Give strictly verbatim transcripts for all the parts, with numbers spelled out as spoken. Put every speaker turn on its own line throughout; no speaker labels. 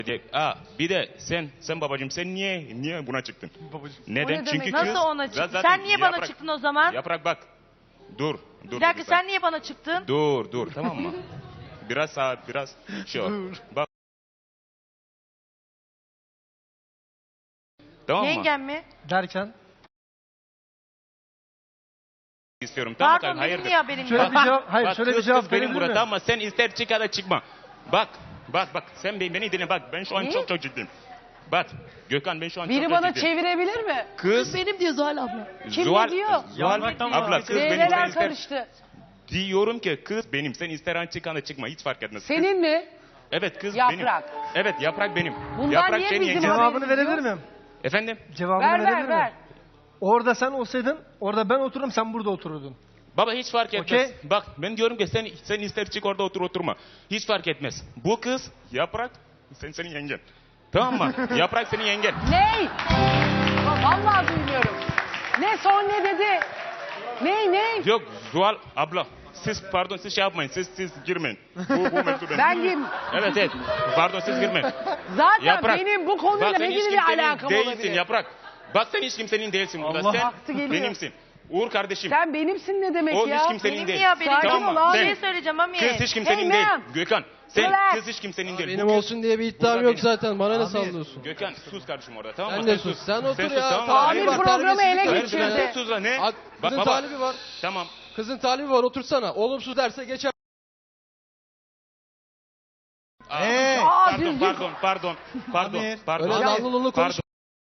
Aa, bir de sen sen babacığım sen niye niye buna çıktın?
Babacığım.
Neden?
O ne
Çünkü
demek?
kız
Nasıl ona çıktın?
zaten
Sen niye bana
yaprak-
çıktın o zaman?
Yaprak bak. Dur. Dur.
Bir dakika
dur,
sen niye bana çıktın?
Dur dur tamam mı? Biraz saat biraz şey ol. Bak. Tamam mı?
Yengem mi?
Derken
İstiyorum tamam mı?
Pardon benim
Hayırdır?
niye haberim
şöyle
yok?
bir cevap, hayır
Bak,
şöyle bir
kız,
cevap
kız benim
verebilir
burada
mi?
tamam mı? Sen ister çık ya da çıkma. Bak bak bak sen beni, beni dinle bak ben şu an
Ne?
çok çok ciddiyim. Bak Gökhan ben şu an
Biri
çok çok
bana
ciddiyim.
çevirebilir mi?
Kız
Benim diyor Zuhal abla.
Kim
Zuhal,
ne diyor?
Zuhal
Yapraktan
abla kız benim sen
Devreler
ister.
karıştı.
Diyorum ki kız benim sen ister an çık ya da çıkma hiç fark etmez. Kız-
Senin mi?
Evet kız
Yaprak.
benim. Evet yaprak benim.
Bundan
yaprak
niye
senin
bizim
yengen.
haberimiz
Cevabını verebilir
yok?
miyim?
Efendim?
Cevabını
Ver
verebilir
ver
miyim?
ver.
Orada sen olsaydın, orada ben otururum, sen burada otururdun.
Baba hiç fark etmez.
Okey.
Bak ben diyorum ki sen sen ister çık orada otur oturma. Hiç fark etmez. Bu kız yaprak sen senin yengen. Tamam mı? Yaprak senin yengen.
Ney? Vallahi duymuyorum. Ne son ne dedi? Ney ney?
Yok Zuhal abla. Siz pardon siz şey yapmayın. Siz siz girmeyin. Bu bu mevzu benim.
Ben kim?
Evet evet. Pardon siz girmeyin.
Zaten
Yaprak.
benim bu konuyla
Bak, sen
ne
hiç
gibi bir
kimsenin
alakam
değilsin
olabilir?
Yaprak. Bak sen hiç kimsenin değilsin burada.
Allah
sen
haklı geliyor.
benimsin. Uğur kardeşim.
Sen benimsin ne demek
o
ya?
hiç kimsenin
Benim
değil.
niye haberim
Sakin
yok?
ol
mı?
abi.
Bir
Sen-
şey söyleyeceğim ama.
Kız hiç kimsenin
Hey
değil.
man.
Gökhan sen
Relax.
kız hiç kimsenin değil.
Benim
Bu kız-
olsun diye bir iddiam
Burada
yok
benim.
zaten. Bana ne
Abi,
sallıyorsun?
Gökhan sus kardeşim orada tamam mı?
Sen de sus. Sen otur
sus,
ya.
tamam mı?
Talibi
Amir
var,
programı ele
terbiyesizlik
Hayır,
geçirdi.
yapıyorsun
sen
ya.
sus lan ne?
Ak-
Bak
Kızın
baba.
talibi var.
Tamam.
Kızın talibi var. Otursana. Olumsuz derse geçer.
Aa,
Hey!
Aa,
pardon,
düzgün.
pardon, pardon, pardon,
Amir.
pardon.
Öyle
Pardon.
dallı lullu konuş.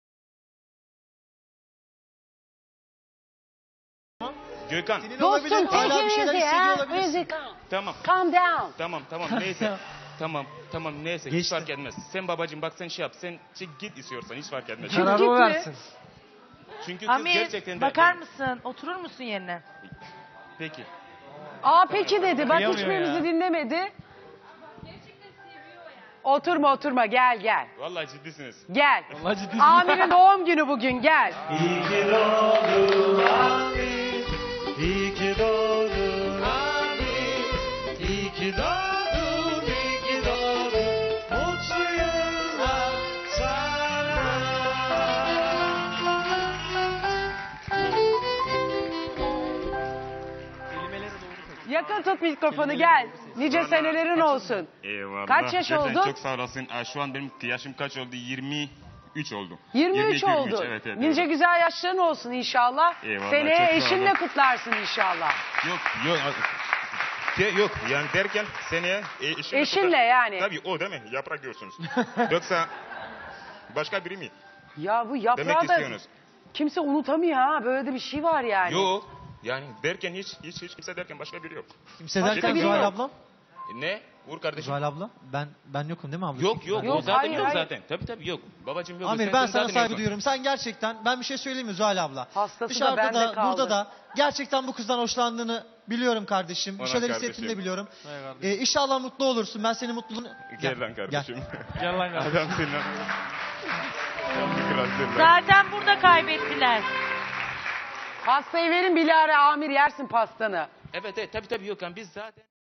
Gökhan,
Dostum
Hala bir şeyler
tekinizi
hissediyor
ya.
olabilirsin.
Music.
tamam,
Calm down.
tamam, tamam, neyse. Tamam, tamam, neyse, hiç
Geçti.
fark etmez. Sen babacığım bak sen şey yap, sen çık git istiyorsan hiç fark etmez.
Çık
Kararı
git
o
mi?
versin.
Çünkü kız
Amir
gerçekten de...
bakar mısın? Oturur musun yerine?
Peki.
Aa peki dedi. Bak
Kıyamıyor
hiçbirimizi
ya.
dinlemedi. Oturma oturma gel gel.
Vallahi ciddisiniz.
Gel.
Vallahi ciddi.
Amir'in doğum günü bugün gel.
İyi ki doğdun abi, iyi ki doğdun abi, iyi ki doğdun, iyi ki doğdun, mutlu yıllar sana.
Yakın tut mikrofonu gel. Nice
Vallahi
senelerin
kaç-
olsun.
Eyvallah.
Kaç yaş
Gerçekten
oldun?
Çok sağ olasın. Aa, şu an benim yaşım kaç oldu? yirmi üç oldu.
yirmi üç
yirmi iki,
oldu.
Evet, evet,
Nice
evet.
güzel yaşların olsun inşallah.
Eyvallah,
Seneye
çok sağ
eşinle
olun.
kutlarsın inşallah.
Yok, yok. Ke- Yok yani derken seneye e, eşimle,
Eşinle
kutlar-
yani.
Tabii o değil mi? Yaprak diyorsunuz. Yoksa başka biri mi?
Ya bu
Demek
yaprağı da
istiyorsunuz.
kimse unutamıyor ha. Böyle de bir şey var yani.
Yok. Yani derken hiç hiç hiç kimse derken başka biri yok.
Kimse derken
Cidden
Zuhal
yok.
ablam?
E, Ne? Uğur kardeşim.
Zuhal abla? Ben ben yokum değil mi abla?
Yok yok,
Yok,
o zaten
hayır,
yok
hayır.
zaten. Tabii tabii yok. Babacığım yok.
Amir
Sen-
ben
sen
sana
zaten
saygı
yoksun.
duyuyorum. Sen gerçekten ben bir şey söyleyeyim mi Zuhal abla?
Hastası da
Dışarıda
bende
da
kaldı.
burada da gerçekten bu kızdan hoşlandığını biliyorum kardeşim. Bir
Ona
şeyler
kardeşim.
hissettiğini de biliyorum.
Hay kardeşim.
Ee, inşallah mutlu olursun. Ben senin mutluluğunu...
Gel lan kardeşim.
Gel lan kardeşim.
Adamsın lan. Kralsın lan.
Zaten burada kaybettiler.
Pastayı verin Bilal'e Amir yersin pastanı.
Evet evet tabii tabii yok. Yani biz zaten...